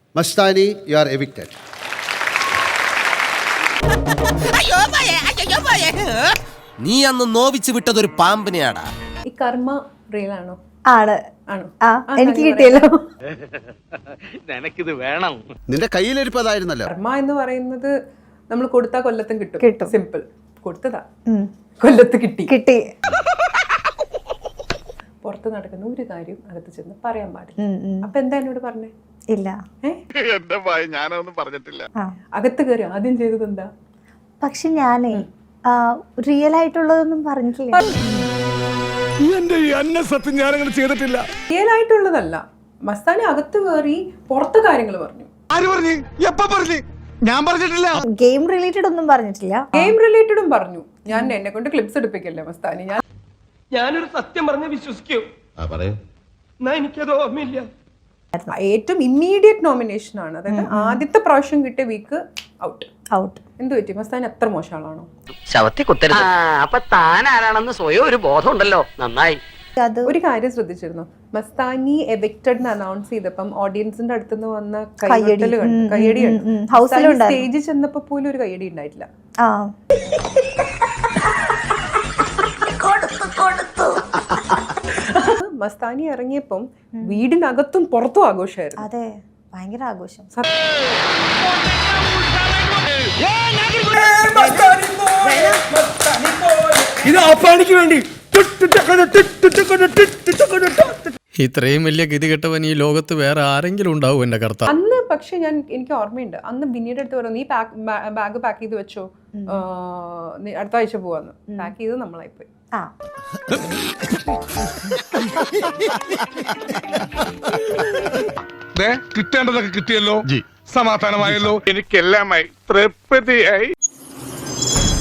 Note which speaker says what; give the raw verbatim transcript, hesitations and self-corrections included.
Speaker 1: Mastani, you are evicted.
Speaker 2: നീ അന്ന് Norwich വിട്ടതൊരു പാമ്പിനെയാടാ.
Speaker 3: ഈ കർമ്മ റിയൽ ആണോ?
Speaker 4: ആണ്.
Speaker 3: ആണോ?
Speaker 4: ആ, എനിക്ക് കിട്ടിയല്ലോ.
Speaker 5: നിനക്കിത് വേണം.
Speaker 1: നിന്റെ കയ്യിലിരിപ്പതായിരുന്നല്ലോ.
Speaker 3: കർമ്മ എന്ന് പറയുന്നത് നമ്മൾ കൊടുത്താ കൊല്ലത്തും കിട്ടും.
Speaker 4: കിട്ടും.
Speaker 3: സിമ്പിൾ. കൊടുത്തതാ, കൊല്ലത്ത് കിട്ടി.
Speaker 4: കിട്ടി.
Speaker 3: പുറത്ത് നടക്കുന്ന ഒരു കാര്യം അകത്ത് ചെന്ന് പറയാൻ പാടില്ല. അപ്പൊ എന്താ എന്നോട് പറഞ്ഞേ?
Speaker 4: ഇല്ല.
Speaker 5: എന്റെ ഭയ ഞാനൊന്നും പറഞ്ഞിട്ടില്ല.
Speaker 3: അകത്ത് കയറി ആദ്യം ചെയ്തത് എന്താ?
Speaker 4: പക്ഷെ ഞാനേ റിയൽ ആയിട്ടുള്ളതൊന്നും പറഞ്ഞിട്ടില്ല.
Speaker 5: ചെയ്തിട്ടില്ല.
Speaker 3: റിയൽ ആയിട്ടുള്ളതല്ല. മസ്താനി അകത്ത് കയറി പുറത്തെ കാര്യങ്ങൾ പറഞ്ഞു.
Speaker 5: ഞാൻ പറഞ്ഞിട്ടില്ല.
Speaker 4: ഗെയിം റിലേറ്റഡ് ഒന്നും പറഞ്ഞിട്ടില്ല.
Speaker 3: ഗെയിം റിലേറ്റഡും പറഞ്ഞു. ഞാൻ എന്നെ കൊണ്ട് ക്ലിപ്സ് എടുപ്പിക്കല്ലേ മസ്താനി. ഞാൻ
Speaker 6: ഞാനൊരു സത്യം പറഞ്ഞ് വിശ്വസിക്കൂ. എന്നാ എനിക്കത് ഓർമ്മയില്ല.
Speaker 3: ഏറ്റവും ഇമ്മീഡിയറ്റ് നോമിനേഷൻ ആണ്. അതായത് ആദ്യത്തെ പ്രാവശ്യം കിട്ടിയ വീക്ക് ഔട്ട്.
Speaker 4: ഔട്ട്.
Speaker 3: എന്ത് പറ്റി? മസ്താനി അത്ര മോശം ആളാണോ?
Speaker 7: ശവത്തി കുത്തരുത്. അപ്പൊ താൻ ആരാണെന്ന് സ്വയം ഒരു ബോധം ഉണ്ടല്ലോ. നന്നായി.
Speaker 4: അത്
Speaker 3: ഒരു കാര്യം ശ്രദ്ധിച്ചിരുന്നു. മസ്താനി എവിക്റ്റഡ് അനൗൺസ് ചെയ്തപ്പം ഓഡിയൻസിന്റെ അടുത്തുനിന്ന് വന്ന കൈയടി കയ്യടി സ്റ്റേജിൽ ചെന്നപ്പോ പോലും ഒരു കയ്യടി ഉണ്ടായിട്ടില്ല.
Speaker 4: ആ
Speaker 3: മസ്താനി ഇറങ്ങിയപ്പം വീടിനകത്തും പുറത്തും ആഘോഷമായിരുന്നു.
Speaker 4: അതെ, ഭയങ്കര ആഘോഷം.
Speaker 6: ഇത് ആപ്പാണിക്ക് വേണ്ടി
Speaker 8: ഇത്രയും വലിയ ഗതികെട്ടവൻ ഈ ലോകത്ത് വേറെ ആരെങ്കിലും ഉണ്ടാവും എന്റെ കർത്താവ്.
Speaker 3: അന്ന് പക്ഷെ ഞാൻ എനിക്ക് ഓർമ്മയുണ്ട്, അന്ന് ബിന്നിയുടെ അടുത്ത് പറഞ്ഞു, നീ ബാഗ് പാക്ക് ചെയ്ത് വെച്ചോ, അടുത്ത ആഴ്ച പോവാന്ന്. പാക്ക് ചെയ്ത് നമ്മളായിപ്പോയി.
Speaker 4: ആ
Speaker 5: കിട്ടേണ്ടതൊക്കെ കിട്ടിയല്ലോ. സമാധാനമായല്ലോ. എനിക്കെല്ലാമായി തൃപ്തിയായി.